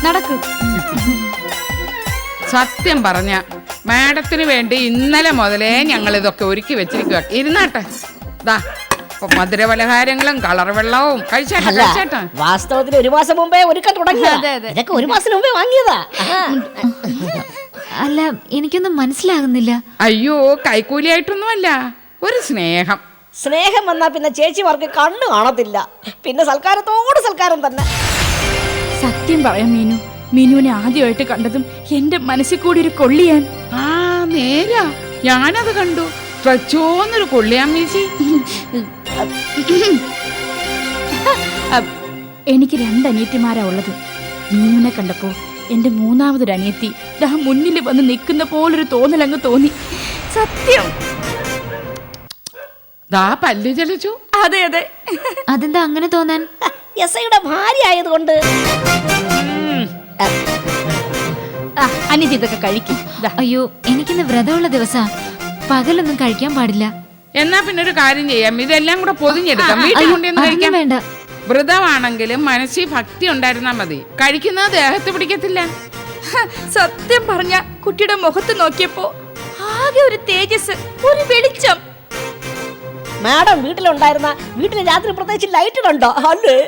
നടക്ക്. സത്യം പറഞ്ഞ മാഡത്തിന് വേണ്ടി ഇന്നലെ മുതലേ ഞങ്ങൾ ഇതൊക്കെ ഒരുക്കി വെച്ചിരിക്കുക. ഇരുന്നാട്ടെ, ദാ മധുരപലഹാരങ്ങളും കളർ വെള്ളവും കഴിച്ചേട്ടാ. വാസ്തവത്തിൽ ഒരു മാസം മുമ്പേ ഒരുക്കം തുടങ്ങി. ഇതൊക്കെ ഒരു മാസം മുമ്പേ വാങ്ങിയതാ. അല്ല, എനിക്കൊന്നും മനസ്സിലാകുന്നില്ല. അയ്യോ, കൈക്കൂലിയായിട്ടൊന്നുമല്ല, ഒരു സ്നേഹം. സ്നേഹം വന്നാ പിന്നെ ചേച്ചിമാർക്ക് കണ്ണു കാണത്തില്ല. പിന്നെ സൽക്കാരത്തോട് സൽക്കാരം തന്നെ. സത്യം പറയാം മീനു, മീനുവിനെ ആദ്യമായിട്ട് കണ്ടതും എന്റെ മനസ്സിൽ കൂടി ഒരു കൊള്ളിയാൻ. ആ നേരാ, ഞാനത് കണ്ടു. ട്രച്ചോന്നൊരു കൊള്ളിയാൻ വീശി. എനിക്ക് 2 അനിയത്തിമാരാ ഉള്ളത്. മീനുവിനെ കണ്ടപ്പോ എന്റെ മൂന്നാമതൊരു അനിയത്തി ദാ മുന്നിൽ വന്ന് നിൽക്കുന്ന പോലൊരു തോന്നലങ്ങ് തോന്നി. സത്യം. ദാ പല്ല് ചലിച്ചു. അതെ അതെ. അതെന്താ അങ്ങനെ തോന്നാൻ? എസ്ഐയുടെ ഭാര്യ ആയതുകൊണ്ട്. അനിയത്തി ഇതൊക്കെ കഴിക്കും. അയ്യോ, എനിക്കിന്ന് വ്രതമുള്ള ദിവസാ, പകലൊന്നും കഴിക്കാൻ പാടില്ല. എന്നാ പിന്നെ ഒരു കാര്യം ചെയ്യാം, ഇതെല്ലാം കൂടെ പൊതിഞ്ഞെടുക്കാം, വീട്ടിൽ കൊണ്ടുവന്ന് കഴിക്കാം. വേണ്ട, വ്രതമാണെങ്കിലും മനസ്സിൽ ഭക്തി ഉണ്ടായിരുന്നാ മതി. കഴിക്കുന്നത് ദേഹത്ത് പിടിക്കത്തില്ല. സത്യം പറഞ്ഞ കുട്ടിയുടെ മുഖത്ത് നോക്കിയപ്പോ ആകെ ഒരു തേജസ്, ഒരു വെളിച്ചം. മാഡം വീട്ടിലുണ്ടായിരുന്ന വീട്ടിൽ രാത്രി പ്രത്യേകിച്ച് ലൈറ്റ് ഉണ്ടോ? അല്ലേ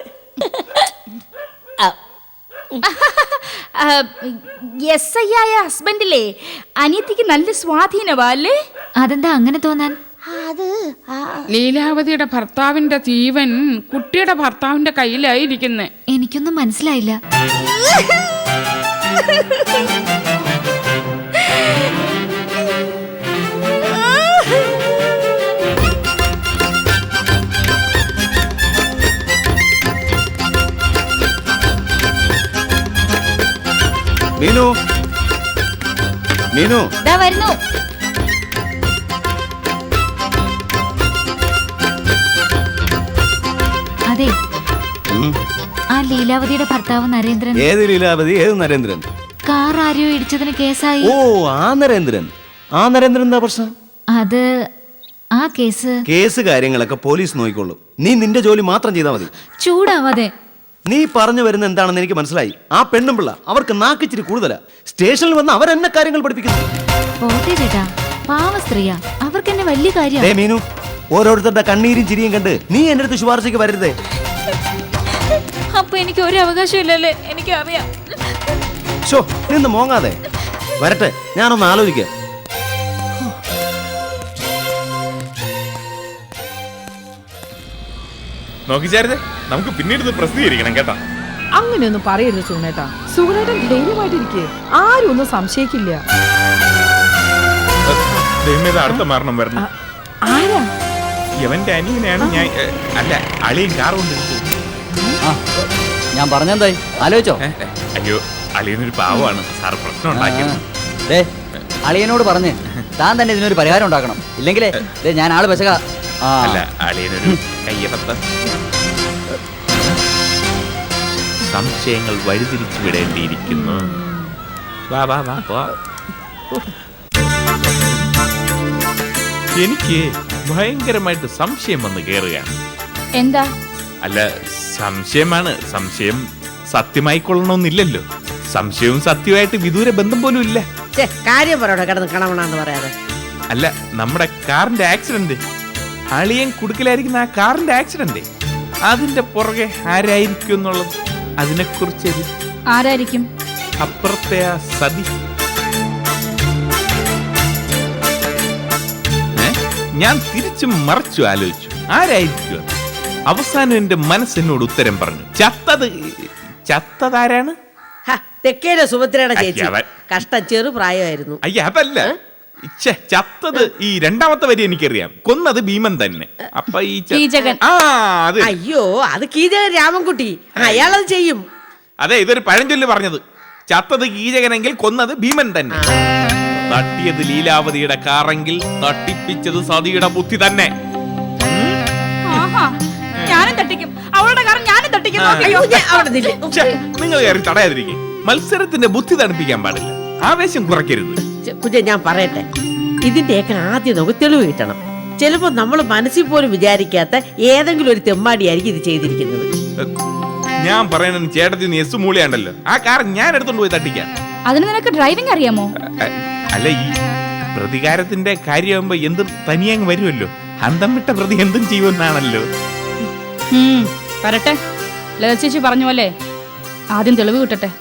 എസ് ഐ ആയ ഹസ്ബൻഡിലെ അനിയത്തിക്ക് നല്ല സ്വാധീനവാ അല്ലേ? അതെന്താ അങ്ങനെ തോന്നാൻ? ലീലാവതിയുടെ ഭർത്താവിന്റെ ജീവൻ കുട്ടിയുടെ ഭർത്താവിന്റെ കയ്യിലായിരിക്കുന്നെ. എനിക്കൊന്നും മനസ്സിലായില്ല. മീനു, മീനു, ദാ വരുന്നു. അതെ, ആ ലീലാവതിയുടെ ഭർത്താവ് നരേന്ദ്രൻ. ഏത് ലീലാവതി, ഏത് നരേന്ദ്രൻ? കാർ ആരെയോ ഇടിച്ചതിന് കേസായി. ഓ, ആ നരേന്ദ്രൻ. ആ നരേന്ദ്രൻ എന്താ പ്രശ്നം? അത് ആ കേസ് കാര്യങ്ങളൊക്കെ പോലീസ് നോക്കിക്കൊള്ളും. നീ നിന്റെ ജോലി മാത്രം ചെയ്താൽ മതി. ചൂടാവാതെ. നീ പറഞ്ഞു വരുന്ന എന്താണെന്ന് എനിക്ക് മനസ്സിലായി. ആ പെണ്ണും പിള്ള അവർക്ക് നാക്കിച്ചിരി കൂടുതലാ. സ്റ്റേഷനിൽ വന്ന് അവരെന്നെ കാര്യങ്ങൾ പഠിപ്പിക്കുന്നു. പോട്ടെ ചേട്ടാ, പാവ സ്ത്രീയാ, അവർക്ക് എന്നെ വലിയ കാര്യം. മീനു, ഓരോരുത്തരുടെ കണ്ണീരും ചിരിയും കണ്ട് നീ എന്റെ അടുത്ത് ശുപാർശയ്ക്ക് വരരുതേ. അപ്പൊ എനിക്ക് ഒരു അവകാശം ഇല്ലല്ലേ? എനിക്കറിയാം. നിന്ന് മോങ്ങാതെ വരട്ടെ, ഞാനൊന്ന് ആലോചിക്കാം. നോക്കിച്ചാരേ, നമുക്ക് പിന്നീട് ഇത് പ്രസിദ്ധീകരിക്കണം കേട്ടോ. അങ്ങനെയൊന്നും പറയരുത് സുഗുണേട്ടാ. സുഗുണേട്ടൻ ധൈര്യമായിട്ടിരിക്കേ, ആരും ഒന്നും സംശയിക്കില്ല. അടുത്ത മരണം വരണം. ആരാ? യവന്റെ അനിയനാണ് ഞാൻ. അല്ല, അളിയൻ കാർ കൊണ്ട് ഞാൻ പറഞ്ഞെന്തായി ആലോചിച്ചോ? അയ്യോ, അളിയനൊരു പാവമാണ് സാർ, പ്രശ്നം ഉണ്ടാക്കിയത്. അളിയനോട് പറഞ്ഞ് താൻ തന്നെ ഇതിനൊരു പരിഹാരം ഉണ്ടാക്കണം. ഇല്ലെങ്കിലേ ഞാൻ ആള് പെശക. അല്ല, അളിയനൊരു കയ്യബദ്ധം. സംശയങ്ങൾ വഴിതിരിച്ചു വിടേണ്ടിയിരിക്കുന്നു. വാ വാ വാ വാ. എനിക്ക് ഭയങ്കരമായിട്ട് സംശയം വന്ന് കയറുകയാണ്. എന്താ? അല്ല, സംശയമാണ്. സംശയം സത്യമായിക്കൊള്ളണമെന്നില്ലല്ലോ. സംശയവും സത്യമായിട്ട് വിദൂര ബന്ധം പോലും ഇല്ല. കാര്യം പറയണോ കിടന്ന് കണവണെന്ന് പറയാതെ. അല്ല, നമ്മുടെ കാറിന്റെ ആക്സിഡന്റ്, അളിയൻ കുടുക്കലായിരിക്കുന്ന ആ കാറിന്റെ ആക്സിഡന്റ്, അതിന്റെ പുറകെ ആരായിരിക്കും എന്നുള്ളത്, അതിനെക്കുറിച്ച്. ആരായിരിക്കും? അപ്പുറത്തെ ആ സതി. ഞാൻ തിരിച്ചും മറിച്ചു ആലോചിച്ചു, ആരായിരിക്കും? അവസാനം എന്റെ മനസ്സിനോട് ഉത്തരം പറഞ്ഞു. ചത്തതാരാണ്? തെക്കേലെ സുഭദ്രയുടെ ചേച്ചി. കഷ്ടം, ചെറുപ്രായമായിരുന്നു. അയ്യ, അതല്ല. ചത്തത് ഈ രണ്ടാമത്തെ വരി എനിക്കറിയാം. കൊന്നത് ഭീമൻ തന്നെ. അപ്പൊ ഈ അയ്യോ, അത് കീചകൻ രാമൻകുട്ടി, അയാളത് ചെയ്യും. അതെ, ഇതൊരു പഴഞ്ചൊല്ല് പറഞ്ഞത്. ചത്തത് കീചകനെങ്കിൽ കൊന്നത് ഭീമൻ തന്നെ. തട്ടിയത് ലീലാവതിയുടെ കാറെങ്കിൽ തട്ടിപ്പിച്ചത് സതിയുടെ ബുദ്ധി തന്നെ. ഞാനും തട്ടിക്കും, അവളുടെ കാർ ഞാനും തട്ടിക്കും. നിങ്ങൾ കയറി തടയാതിരിക്കും. മത്സരത്തിന്റെ ബുദ്ധി തണുപ്പിക്കാൻ പാടില്ല, ആവേശം കുറയ്ക്കരുത്. കുഞ്ഞെ, ഞാൻ പറയട്ടെ, ഇതിന്റെയൊക്കെ ആദ്യം നമുക്ക് തെളിവ് കിട്ടണം. ചിലപ്പോ നമ്മൾ മനസ്സിൽ പോലും വിചാരിക്കാത്ത ഏതെങ്കിലും ഒരു തെമ്മാടിയായിരിക്കും ഇത് ചെയ്തിരിക്കുന്നത്. ഞാൻ പറയണ ചേട്ടത്തി നീ എസ് മൂളിയാണ്ടല്ലോ, ആ കാർ ഞാൻ എടുത്തോണ്ട് പോയി തട്ടിക്കാം. അതിന് നിനക്ക് ഡ്രൈവിംഗ് അറിയാമോ? അല്ല, ഈ പ്രതികാരത്തിന്റെ കാര്യമാകുമ്പോ എന്തും തനിയങ്ങ് വരുമല്ലോ. അന്തം വിട്ട പ്രതി എന്തും ചെയ്യുമെന്നാണല്ലോ. വരട്ടെ, ലത ചേച്ചി പറഞ്ഞ പോലെ ആദ്യം തെളിവ് കിട്ടട്ടെ.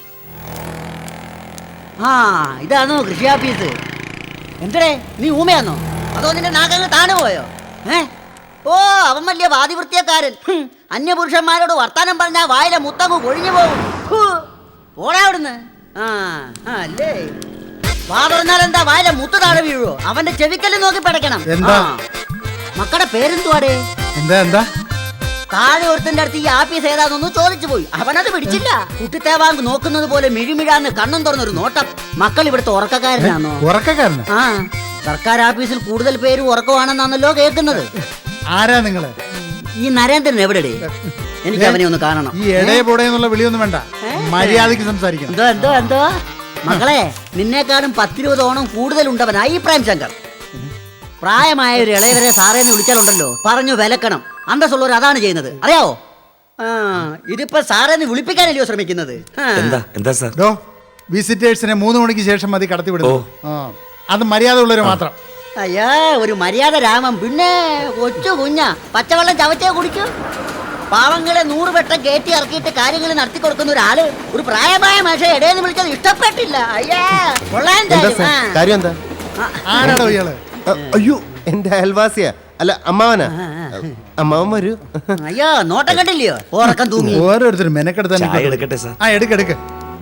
ആ ഇതാണോ കൃഷി ഓഫീസ്? എന്തേ നീ ഊമയാന്നോ അതോ നിന്റെ നാഗങ്ങൾ താണു പോയോ? ഓ അവൻ വലിയ വാദിവൃത്തിയക്കാരൻ. അന്യപുരുഷന്മാരോട് വർത്താനം പറഞ്ഞാൽ വായിലെ മുത്തങ്ങ് കൊഴിഞ്ഞു പോകും. ഓടാ അവിടുന്ന്. അല്ലേ വാ പറഞ്ഞാൽ എന്താ വായിലെ മുത്ത് താഴെ വീഴുവോ? അവന്റെ ചെവിക്കല്ല് നോക്കി പടയ്ക്കണം. മക്കളുടെ പേരെന്തുവാടേ? എന്താ താഴെ ഒരുത്തന്റെ അടുത്ത് ഈ ആഫീസ് ഏതാണെന്ന് ചോദിച്ചു പോയി. അവനത് പിടിച്ചില്ല. കുട്ടിത്തേവാങ്ക് നോക്കുന്നത് പോലെ മിഴിമിഴാന്ന് കണ്ണും തുറന്നൊരു നോട്ടം. മക്കൾ ഇവിടുത്തെ ഉറക്കക്കാരനാണോ? ഉറക്കക്കാരനാ? ആ സർക്കാർ ഓഫീസിൽ കൂടുതൽ പേര് ഉറക്കമാണെന്നാണല്ലോ കേൾക്കുന്നത്. ആരാ നിങ്ങള്? ഈ നരേന്ദ്രൻ എവിടെടേ? എനിക്ക് അവനെ ഒന്ന് കാണണം. ഈ എടേ പൊടയെന്നുള്ള വിളിയൊന്നും വേണ്ട, മര്യാദക്ക് സംസാരിക്കണം. എന്തോ മക്കളെ, നിന്നേക്കാളും 10-20 ഓണം കൂടുതലുണ്ടവനായി പ്രേംശങ്കർ. പ്രായമായ ഒരു ഇളയവരെ സാറേന്ന് വിളിച്ചാലുണ്ടല്ലോ പറഞ്ഞു വിലക്കണം. അന്തസ്സുള്ളവർ അതാണ് ചെയ്യുന്നത്, അറിയാവോ? ഇതിപ്പോ സാറേന്ന് വിളിപ്പിക്കാനല്ലയോ ശ്രമിക്കുന്നത്? വിസിറ്റേഴ്സിനെ 3 മണിക്ക് ശേഷം മതി കടത്തി വിടുന്നു. അത് മര്യാദ ഉള്ളവര് മാത്രം. അയ്യാ ഒരു മര്യാദ രാമം. പിന്നെ കൊച്ചു കുഞ്ഞാ പച്ചവെള്ളം ചവച്ചേ കുടിക്കൂ. പാവങ്ങളെ 100 വട്ടം കയറ്റി ഇറക്കിയിട്ട് കാര്യങ്ങൾ നടത്തി കൊടുക്കുന്ന ഒരാള് ഒരു പ്രായമായ മനുഷ്യ ഇടയെന്ന് വിളിച്ചത് ഇഷ്ടപ്പെട്ടില്ല. അയ്യാ കാര്യം എന്താ? ആരാടോ ഇയാള്? അയ്യോ, എന്റെ അയൽവാസിയാ. അല്ല, അമ്മാവനാ. അമ്മാവൻ വരൂ. അയ്യോ നോട്ടം കണ്ടില്ലയോ? ഉറക്കം തൂങ്ങി. ഓരോരുത്തരും മെനക്കെടുത്താൻ. എടുക്ക്.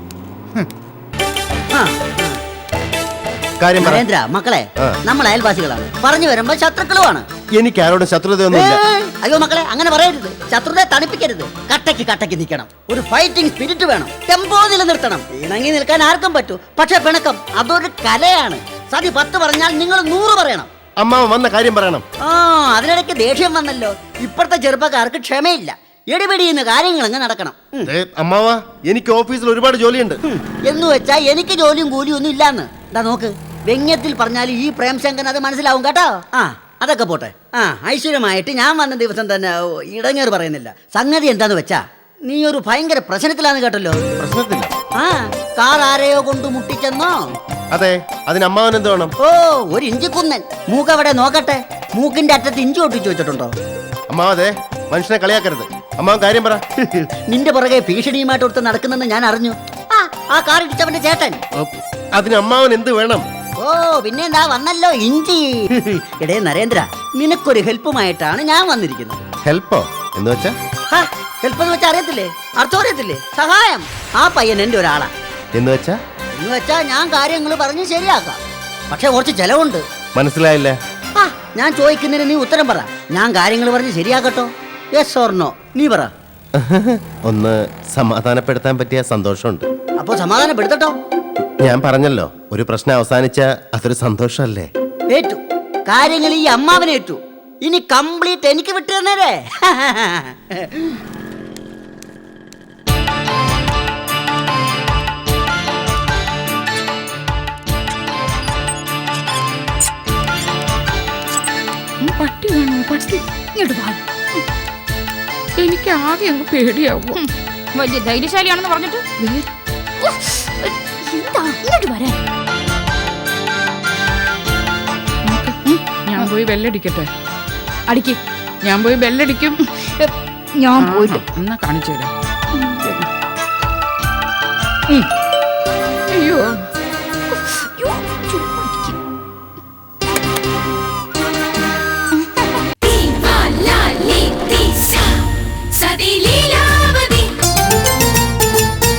നരേന്ദ്ര, മക്കളെ നമ്മൾ അയൽവാസികളാണ്. പറഞ്ഞു വരുമ്പോ ശത്രുക്കളുമാണ്. എനിക്ക് ആരോടും ശത്രുതയൊന്നുമില്ല. അയ്യോ മക്കളെ, അങ്ങനെ പറയരുത്. ശത്രുതയെ തണുപ്പിക്കരുത്. കട്ടയ്ക്ക് നിൽക്കണം. ഒരു ഫൈറ്റിംഗ് സ്പിരിറ്റ് വേണം. ടെമ്പോ നിലനിർത്തണം. ഇണങ്ങി നിൽക്കാൻ ആർക്കും പറ്റൂ, പക്ഷെ പിണക്കം അതൊരു കലയാണ്. സതി 10 പറഞ്ഞാൽ നിങ്ങൾ 100 പറയണം. അമ്മാവൻ വന്ന കാര്യം പറയണം. അതിനിടയ്ക്ക് ദേഷ്യം വന്നല്ലോ. ഇപ്പോഴത്തെ ചെറുപ്പക്കാർക്ക് ക്ഷമയില്ല. എടിപിടിയുന്ന കാര്യങ്ങൾ അങ്ങ് നടക്കണം. അമ്മാവ, എനിക്ക് ഓഫീസിൽ ഒരുപാട് ജോലിയുണ്ട്. എന്ന് വെച്ചാ എനിക്ക് ജോലിയും കൂലിയും ഒന്നും ഇല്ലാന്ന്. നോക്ക്, വ്യംഗ്യത്തിൽ പറഞ്ഞാൽ ഈ പ്രേംശങ്കൻ അത് മനസ്സിലാവും കേട്ടോ. അതൊക്കെ പോട്ടെ. ഐശ്വര്യമായിട്ട് ഞാൻ വന്ന ദിവസം തന്നെ ഇടങ്ങേറ് പറയുന്നില്ല. സംഗതി എന്താന്ന് വെച്ചാ നീ ഒരു ഭയങ്കര പ്രശ്നത്തിലാന്ന് കേട്ടല്ലോ. പ്രശ്നത്തില്ല? കാർ ആരെയോ കൊണ്ട് മുട്ടിച്ചെന്നോ? അതെ. അതിന് അമ്മാവൻ എന്ത് വേണം? ഓ, ഒരു ഇഞ്ചി കുന്നൻ. മൂക്കവിടെ നോക്കട്ടെ. മൂക്കിന്റെ അറ്റത്ത് ഇഞ്ചി ഒട്ടിച്ചു വെച്ചിട്ടുണ്ടോ? അമ്മാവതെ, മനുഷ്യനെ കളിയാക്കരുത്. അമ്മാവൻ കാര്യം പറ. നിന്റെ പുറകെ ഭീഷണിയുമായിട്ട് കൊടുത്ത് നടക്കുന്നെന്ന് ഞാൻ അറിഞ്ഞു. ആ കാർ ഇടിച്ചവന്റെ ചേട്ടൻ. അതിന് അമ്മാവൻ എന്ത് വേണം? ഓ പിന്നെ എന്താ വന്നല്ലോ ഇഞ്ചി. എടേ നരേന്ദ്ര, നിനക്കൊരു ഹെൽപ്പുമായിട്ടാണ് ഞാൻ വന്നിരിക്കുന്നത്. ഹെൽപ്പോ എന്ന് വെച്ചാ? ഹെൽപ്പ് എന്ന് വെച്ചാൽ അറിയത്തില്ലേ? അർത്ഥം അറിയത്തില്ലേ? സഹായം. ആ പയ്യൻ എന്റെ ഒരാളാ. എന്ന് വെച്ചാ ഞാൻ കാര്യങ്ങൾ പറഞ്ഞ് ശരിയാക്കാം. പക്ഷെ കുറച്ച് ചെലവുണ്ട്. മനസ്സിലായില്ല. ഞാൻ ചോദിക്കുന്നതിന് നീ ഉത്തരം പറ. ഞാൻ കാര്യങ്ങൾ പറഞ്ഞ് ശരിയാക്കട്ടോ? Yes or no? നീ പറ. ഒന്ന് സമാധാനപ്പെടുത്താൻ പറ്റിയ സന്തോഷമുണ്ട്. അപ്പൊ സമാധാനപ്പെടുത്തട്ടോ? ഞാൻ പറഞ്ഞല്ലോ, ഒരു പ്രശ്നം അവസാനിച്ച അതൊരു സന്തോഷമല്ലേ? ഏറ്റു. കാര്യങ്ങൾ ഈ അമ്മാവനേറ്റു. ഇനി കംപ്ലീറ്റ് എനിക്ക് വിട്ടു തന്നേരേ. പട്ടി വേണോ? പട്ടി ഇങ്ങോട്ട് വാ. എനിക്ക് ആകെ അങ്ങ് പേടിയാവും. വലിയ ധൈര്യശാലിയാണെന്ന് പറഞ്ഞിട്ട് ഇങ്ങോട്ട് വരാൻ. ഞാൻ പോയി ബെല്ലടിക്കട്ടെ? അടിക്ക്. ഞാൻ പോയി ബെല്ലടിക്കും. ഞാൻ പോയില്ല. എന്നാ കാണിച്ചു തരാം. അയ്യോ